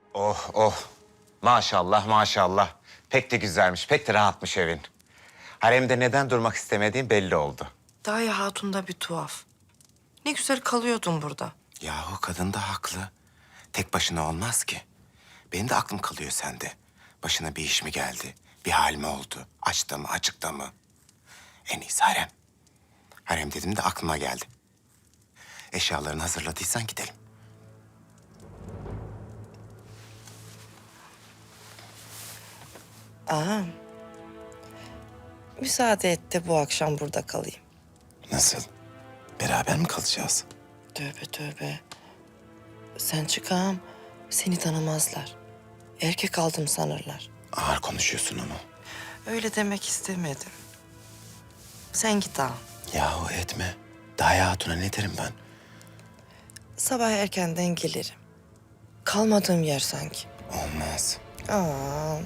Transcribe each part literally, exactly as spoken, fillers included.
Oh oh. Maşallah maşallah. Pek de güzelmiş, pek de rahatmış evin. Haremde neden durmak istemediğin belli oldu. Dayı Hatun da bir tuhaf. Ne güzel kalıyordun burada. Yahu kadın da haklı. Tek başına olmaz ki. Benim de aklım kalıyor sende. Başına bir iş mi geldi? Bir hal mi oldu? Açta mı, açıkta mı? En iyisi harem. Harem dedim de aklıma geldi. Eşyalarını hazırladıysan gidelim. Ağam. Müsaade et de bu akşam burada kalayım. Nasıl? Beraber mi kalacağız? Tövbe tövbe. Sen çık ağam. Seni tanımazlar. Erkek aldım sanırlar. Ağır konuşuyorsun ama. Öyle demek istemedim. Sen git ağam. Yahu etme. Daya Hatun'a ne derim ben? Sabah erkenden gelirim. Kalmadığım yer sanki. Olmaz. Ağam.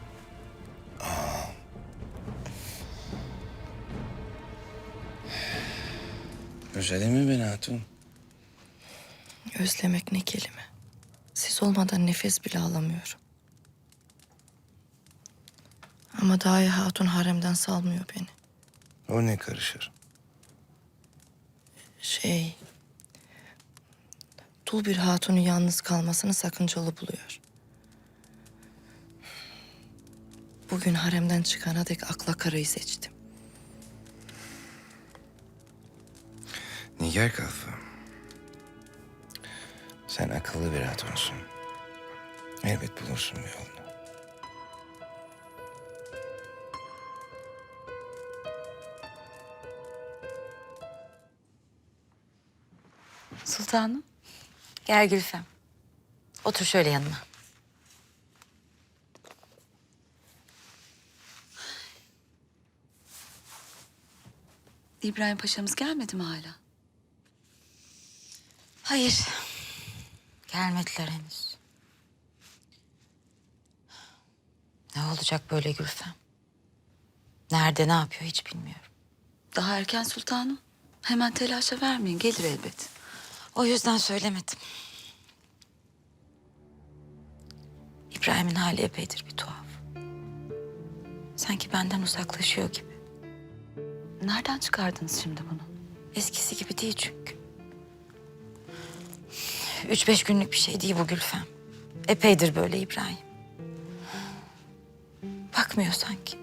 Özledin mi beni Hatun? Özlemek ne kelime. Siz olmadan nefes bile alamıyorum. Ama Dayı Hatun haremden salmıyor beni. O ne karışır? Şey... Dul bir hatunun yalnız kalmasını sakıncalı buluyor. Bugün haremden çıkana dek akla karayı seçtim. Nigar Kalfa. Sen akıllı bir hatunsun. Elbet bulursun bir yolunu. Sultanım. Gel Gülfem. Otur şöyle yanıma. İbrahim Paşa'mız gelmedi mi hala? Hayır. Gelmediler henüz. Ne olacak böyle Gülfem? Nerede, ne yapıyor hiç bilmiyorum. Daha erken sultanım. Hemen telaşa vermeyin. Gelir elbet. O yüzden söylemedim. İbrahim'in hali epeydir bir tuhaf. Sanki benden uzaklaşıyor gibi. Nereden çıkardınız şimdi bunu? Eskisi gibi değil çünkü. Üç beş günlük bir şey değil bu Gülfem. Epeydir böyle İbrahim. Bakmıyor sanki.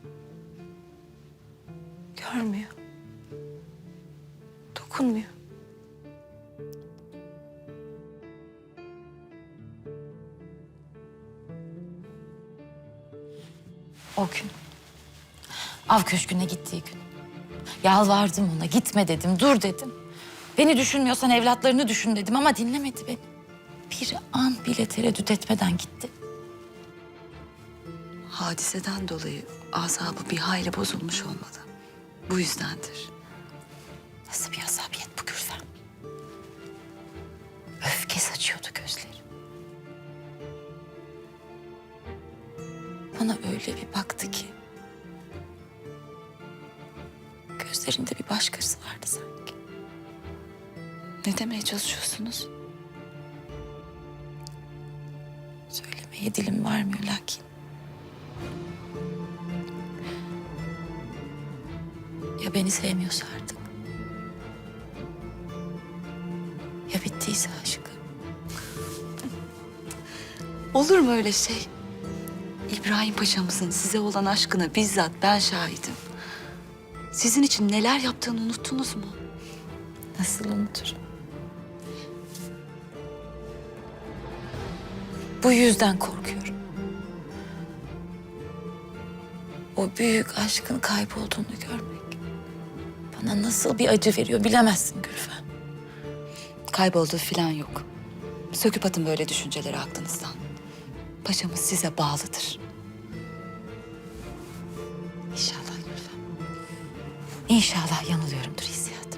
Görmüyor. Dokunmuyor. O gün. Av köşküne gittiği gün. Yalvardım ona, gitme dedim, dur dedim. Beni düşünmüyorsan evlatlarını düşün dedim ama dinlemedi beni. Bir an bile tereddüt etmeden gitti. Hadiseden dolayı asabı bir hayli bozulmuş olmalı. Bu yüzdendir. Nasıl bir asabiyet bu Gülfem? Öfke saçıyordu gözleri. Bana öyle bir baktı ki... gözlerinde bir başkası vardı sanki. Ne demeye çalışıyorsunuz? Söylemeye dilim varmıyor lakin. Ya beni sevmiyorsa artık? Ya bittiyse aşkı? Olur mu öyle şey? İbrahim Paşa'mızın size olan aşkına bizzat ben şahidim. Sizin için neler yaptığını unuttunuz mu? Nasıl unuturum? Bu yüzden korkuyorum. O büyük aşkın kaybolduğunu görmek bana nasıl bir acı veriyor bilemezsin Gülfem. Kaybolduğu falan yok. Söküp atın böyle düşünceleri aklınızdan. Paşamız size bağlıdır. İnşallah Gülfem. İnşallah yanılıyorumdur hissiyatımda.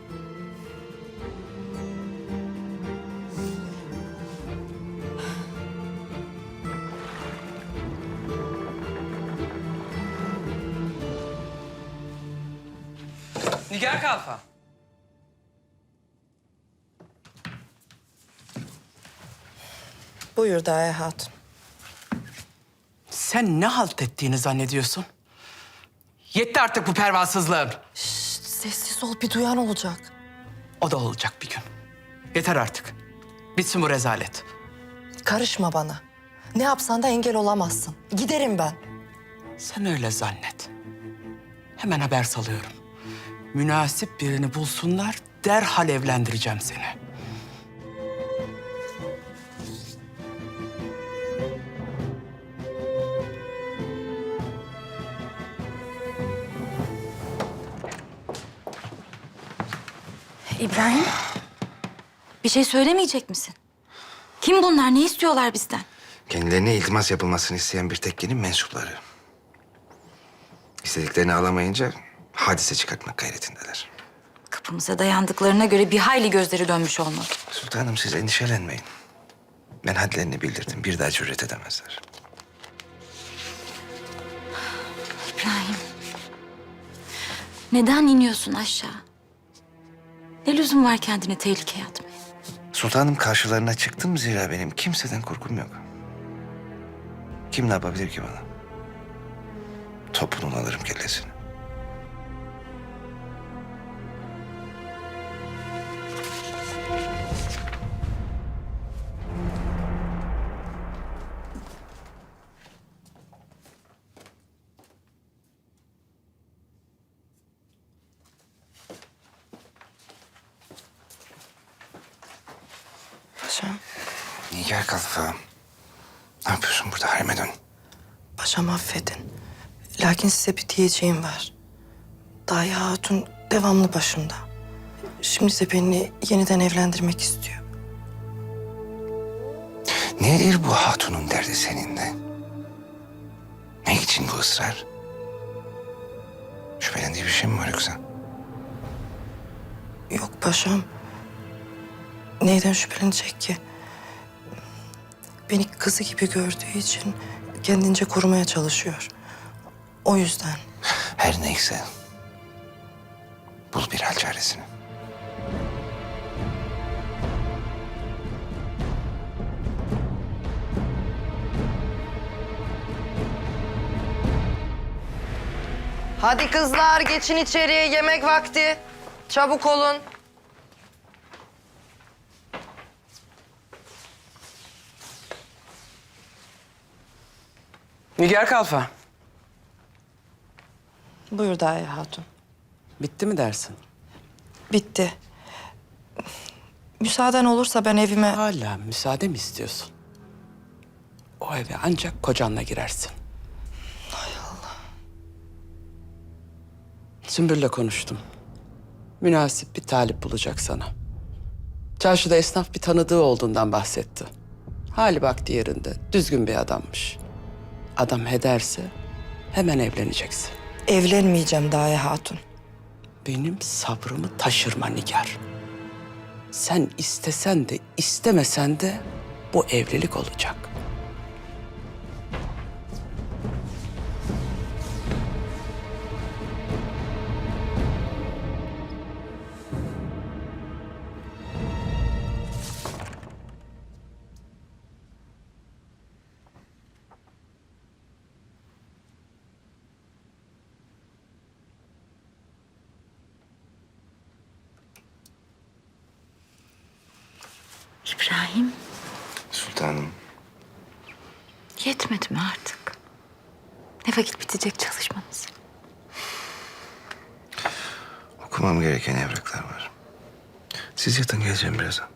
Nigar Kalfa. Buyur. Buyur Daye Hatun. Sen ne halt ettiğini zannediyorsun? Yetti artık bu pervasızlığın. Şşt, sessiz ol, bir duyan olacak. O da olacak bir gün. Yeter artık. Bitsin bu rezalet. Karışma bana. Ne yapsan da engel olamazsın. Giderim ben. Sen öyle zannet. Hemen haber salıyorum. Münasip birini bulsunlar, derhal evlendireceğim seni. İbrahim, bir şey söylemeyecek misin? Kim bunlar? Ne istiyorlar bizden? Kendilerine iltimas yapılmasını isteyen bir tekkenin mensupları. İstediklerini alamayınca hadise çıkartmak gayretindeler. Kapımıza dayandıklarına göre bir hayli gözleri dönmüş olmalı. Sultanım siz endişelenmeyin. Ben hadlerini bildirdim. Bir daha cüret edemezler. İbrahim, neden iniyorsun aşağı? Ne lüzum var kendini tehlikeye atmaya? Sultanım karşılarına çıktım zira benim kimseden korkum yok. Kim ne yapabilir ki bana? Topunun alırım kellesini. Paşam, Nigar Kalfa. Ne yapıyorsun burada? Hareme dön. paşam affedin. Lakin size bir diyeceğim var. Daye Hatun devamlı başımda. Şimdi de beni yeniden evlendirmek istiyor. Nedir bu hatunun derdi seninle? Ne için bu ısrar? Şüphelendiği bir şey mi var yoksa? Yok paşam. Neyden şüphelenecek ki? Beni kızı gibi gördüğü için kendince korumaya çalışıyor. O yüzden. Her neyse. Bul bir hal çaresini. Hadi kızlar geçin içeriye, yemek vakti. Çabuk olun. Nigar Kalfa, Buyur Daye Hatun. bitti mi dersin? Bitti. Müsaaden olursa ben evime... Hala müsaade mi istiyorsun? O eve ancak kocanla girersin. Hay Allah. Sümbül'le konuştum. Münasip bir talip bulacak sana. Çarşıda esnaf bir tanıdığı olduğundan bahsetti. Hali vakti yerinde, düzgün bir adammış. Adam ederse hemen evleneceksin. Evlenmeyeceğim Daye Hatun. Benim sabrımı taşırma Nigar. Sen istesen de istemesen de bu evlilik olacak. İbrahim, Sultanım. yetmedi mi artık? Ne vakit bitecek çalışmanız? Okumam gereken evraklar var. Siz yatın geleceğim birazdan.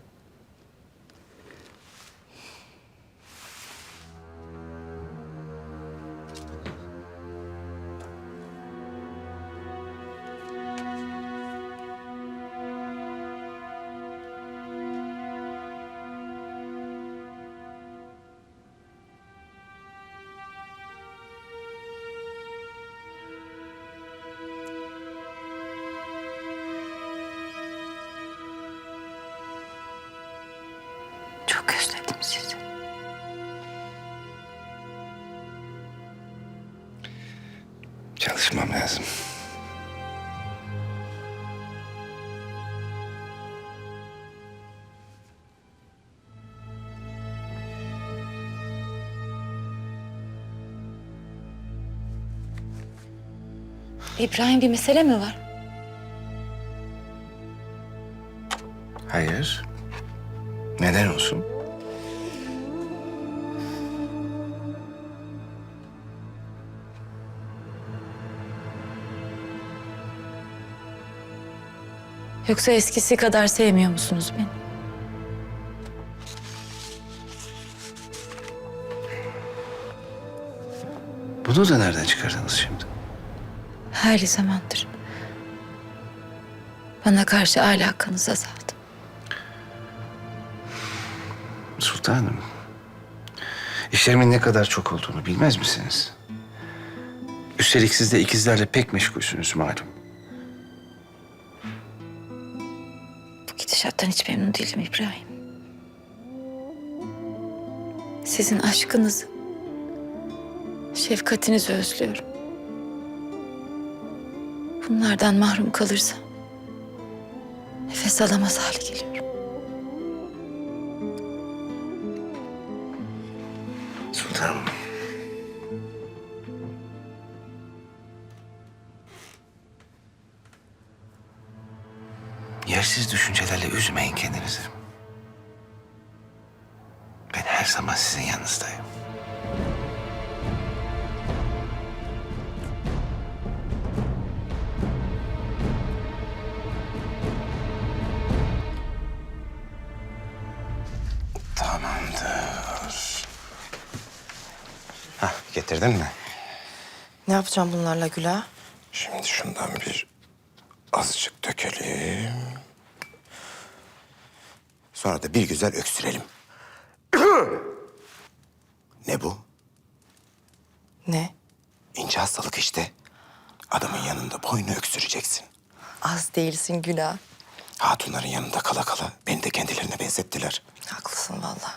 Çok özledim sizi. Çalışmam lazım. İbrahim, bir mesele mi var? Hayır. Neden olsun? Yoksa eskisi kadar sevmiyor musunuz beni? Bunu da nereden çıkardınız şimdi? Her zamandır. Bana karşı alakanız azaldı. Sultanım, işlerimin ne kadar çok olduğunu bilmez misiniz? Üstelik siz de ikizlerle pek meşgulsünüz malum. Bu gidişattan hiç memnun değilim İbrahim. Sizin aşkınızı, şefkatinizi özlüyorum. Bunlardan mahrum kalırsam nefes alamaz hale geliyorum. Sultanım. Yersiz düşüncelerle üzmeyin kendinizi. Ben her zaman sizin yanınızdayım. Tamamdır. Hah, getirdin mi? Ne yapacağım bunlarla Güla? Şimdi şundan bir azıcık dökelim. Sonra da bir güzel öksürelim. Ne bu? Ne? İnce hastalık işte. Adamın yanında boynu öksüreceksin. Az değilsin Güla. Hatunların yanında kala kala beni de kendilerine benzettiler. Haklısın vallahi.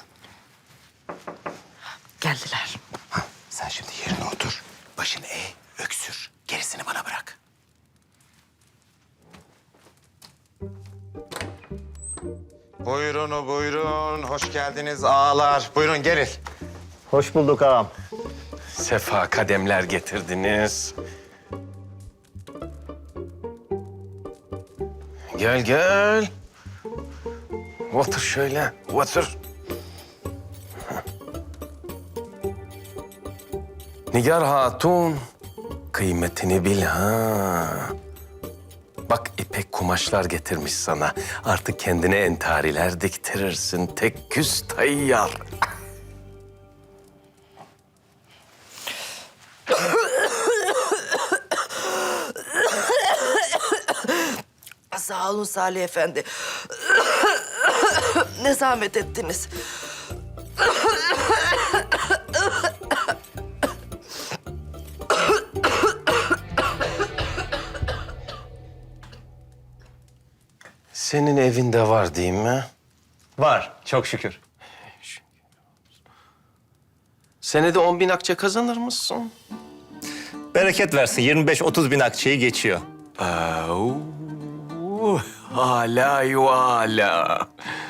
Geldiler. Ha, sen şimdi yerine otur. Başını eğ, öksür. Gerisini bana bırak. Buyurun, buyurun. Hoş geldiniz ağalar. Buyurun gelin. Hoş bulduk ağam. Sefa kademler getirdiniz. Gel gel. Otur şöyle, otur. Nigar Hatun, kıymetini bil ha. Bak ipek kumaşlar getirmiş sana. Artık kendine entariler diktirirsin. Tek küs tayyar. Sağ olun Salih Efendi. Ne zahmet ettiniz. Senin evinde var değil mi? Var, çok şükür. Senede on bin akçe kazanır mısın? Bereket versin, yirmi beş otuz bin akçeyi geçiyor. Au, hala yu hala.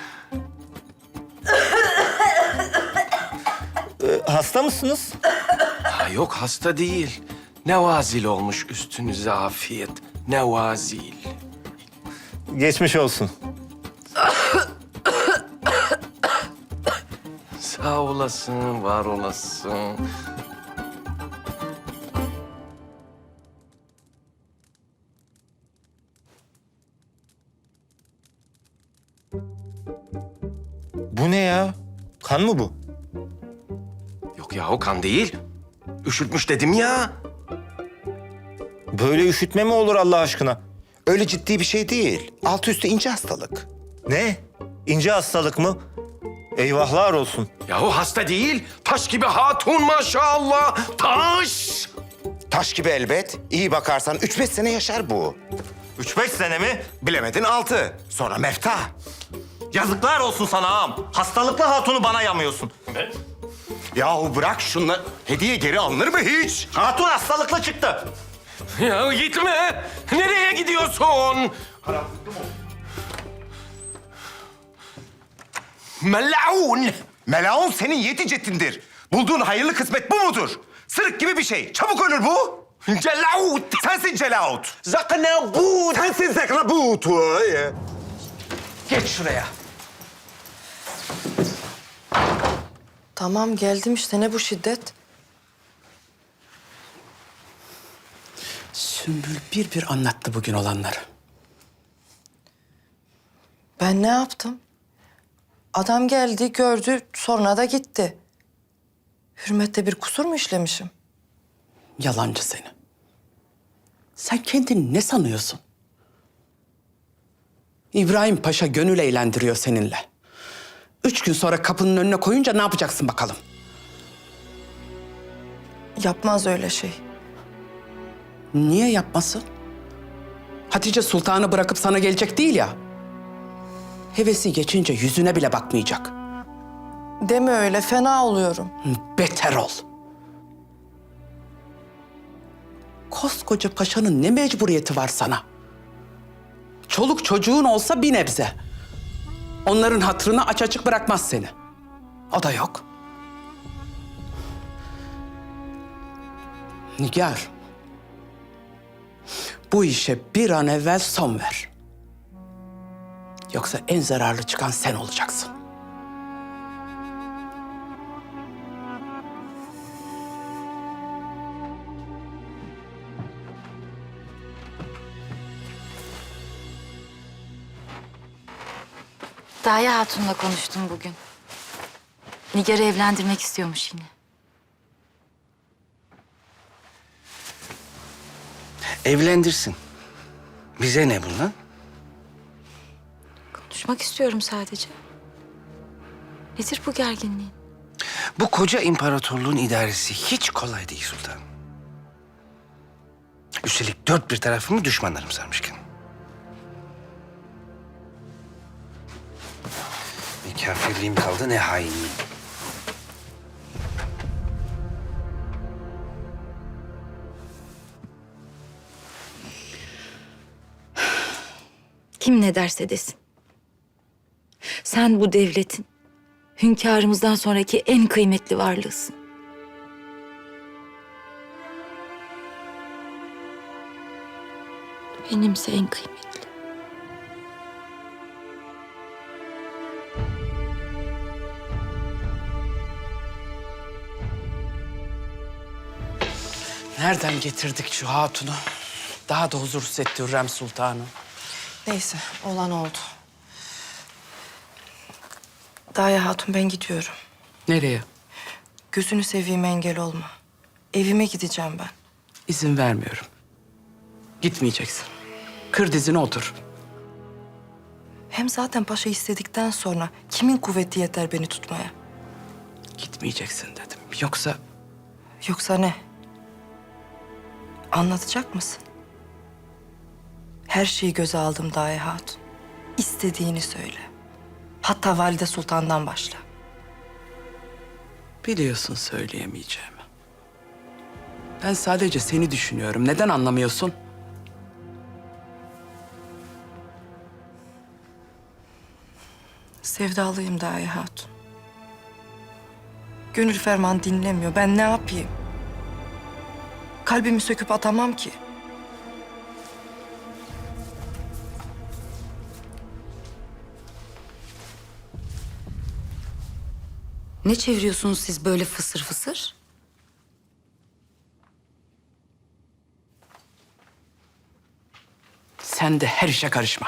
Ee, hasta mısınız? Ha, yok hasta değil. Nevazil olmuş üstünüze afiyet. Nevazil. Geçmiş olsun. Sağ olasın, var olasın. Bu ne ya? Kan mı bu? Yok ya o kan değil. Üşütmüş dedim ya. Böyle üşütme mi olur Allah aşkına? Öyle ciddi bir şey değil. Altı üstü ince hastalık. Ne? İnce hastalık mı? Eyvahlar olsun. Yahu hasta değil. Taş gibi hatun maşallah. Taş. Taş gibi elbet. İyi bakarsan üç beş sene yaşar bu. Üç beş sene mi? Bilemedin altı. Sonra mefta. Yazıklar olsun sana ağam. Hastalıklı hatunu bana yamıyorsun. Yahu bırak şunları. Hediye geri alınır mı hiç? Hatun hastalıklı çıktı. Ya gitme. Nereye gidiyorsun? Melun. Melaun senin yeti cetindir. Bulduğun hayırlı kısmet bu mudur? Sırık gibi bir şey. Çabuk ölür bu. Celaut! Sensin Celaut! Zaknabut! Sensin Zekrabut! Geç şuraya. Tamam geldim işte, ne bu şiddet? Sümbül bir bir anlattı bugün olanları. Ben ne yaptım? Adam geldi, gördü, sonra da gitti. Hürmette bir kusur mu işlemişim? Yalancı seni. Sen kendini ne sanıyorsun? İbrahim Paşa gönül eğlendiriyor seninle. Üç gün sonra kapının önüne koyunca ne yapacaksın bakalım? Yapmaz öyle şey. Niye yapmasın? Hatice Sultan'ı bırakıp sana gelecek değil ya. Hevesi geçince yüzüne bile bakmayacak. Deme öyle, fena oluyorum. Beter ol. Koskoca paşanın ne mecburiyeti var sana? Çoluk çocuğun olsa bir nebze. Onların hatırını aç açık bırakmaz seni. O da yok. Nigar, bu işe bir an evvel son ver. Yoksa en zararlı çıkan sen olacaksın. Daya Hatun'la konuştum bugün. Nigar'ı evlendirmek istiyormuş yine. Evlendirsin. Bize ne bundan? Konuşmak istiyorum sadece. Nedir bu gerginliğin? Bu koca imparatorluğun idaresi hiç kolay değil sultan. Üstelik dört bir tarafımı düşmanlarım sarmışken. Ne kafirliğim kaldı ne hainliğim. Kim ne derse desin. Sen bu devletin, hünkârımızdan sonraki en kıymetli varlığısın. Benimse en kıymetli. Nereden getirdik şu hatunu? Daha da huzursuz etti Hürrem Sultan'ı. Neyse, olan oldu. Daya Hatun, ben gidiyorum. Nereye? Gözünü seveyim, engel olma. Evime gideceğim ben. İzin vermiyorum. Gitmeyeceksin. Kır dizine otur. Hem zaten paşa istedikten sonra kimin kuvveti yeter beni tutmaya? Gitmeyeceksin dedim. Yoksa Yoksa ne? Anlatacak mısın? Her şeyi göze aldım Daya Hatun. İstediğini söyle. Hatta Valide Sultan'dan başla. biliyorsun söyleyemeyeceğimi. Ben sadece seni düşünüyorum. Neden anlamıyorsun? Sevdalıyım Daya Hatun. Gönül ferman dinlemiyor. Ben ne yapayım? Kalbimi söküp atamam ki. Ne çeviriyorsunuz siz böyle fısır fısır? Sen de her işe karışma.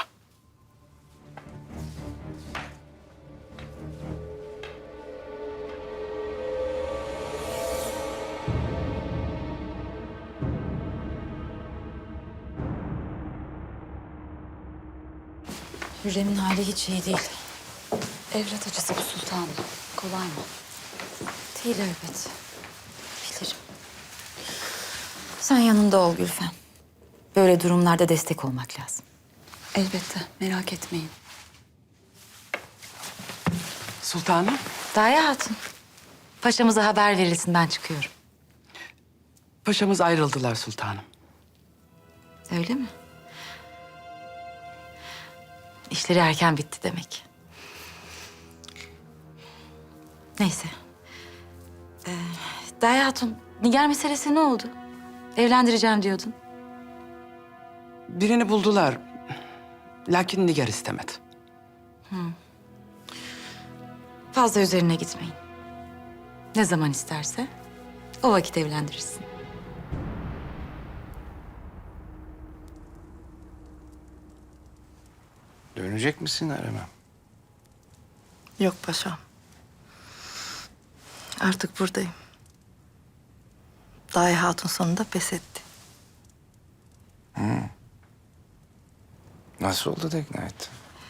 Hürrem'in hali hiç iyi değil. Evlat acısı bu sultanım. Kolay mı? Değil elbet. Bilirim. Sen yanında ol Gülfem. Böyle durumlarda destek olmak lazım. Elbette, merak etmeyin. Sultanım, Daya Hatun. Paşamıza haber verilsin, ben çıkıyorum. paşamız ayrıldılar sultanım. Öyle mi? İşleri erken bitti demek. Neyse. Ee, Daya Hatun, Nigar meselesi ne oldu? Evlendireceğim diyordun. Birini buldular. Lakin Nigar istemedi. Fazla üzerine gitmeyin. Ne zaman isterse o vakit evlendirirsin. Dönecek misin Aremem? Yok paşam. Artık buradayım. Dahi Hatun sonunda pes etti. Nasıl oldu da ikna ettin?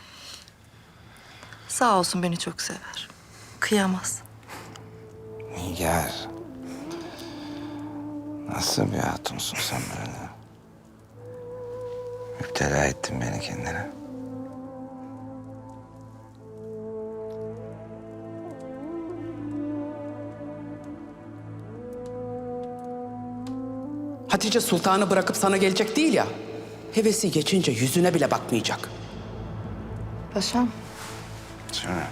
Sağ olsun beni çok sever. Kıyamaz. Nigar. Nasıl bir hatunsun sen böyle? Müptela ettin beni kendine. Hatice sultanı bırakıp sana gelecek değil ya. Hevesi geçince yüzüne bile bakmayacak. Paşam, Söyle.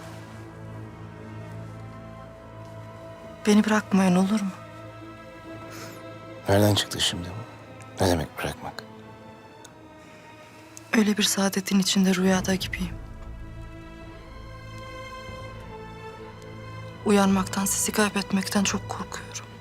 beni bırakmayın olur mu? Nereden çıktı şimdi bu? Ne demek bırakmak? Öyle bir saadetin içinde rüyada gibiyim. Uyanmaktan, sizi kaybetmekten çok korkuyorum.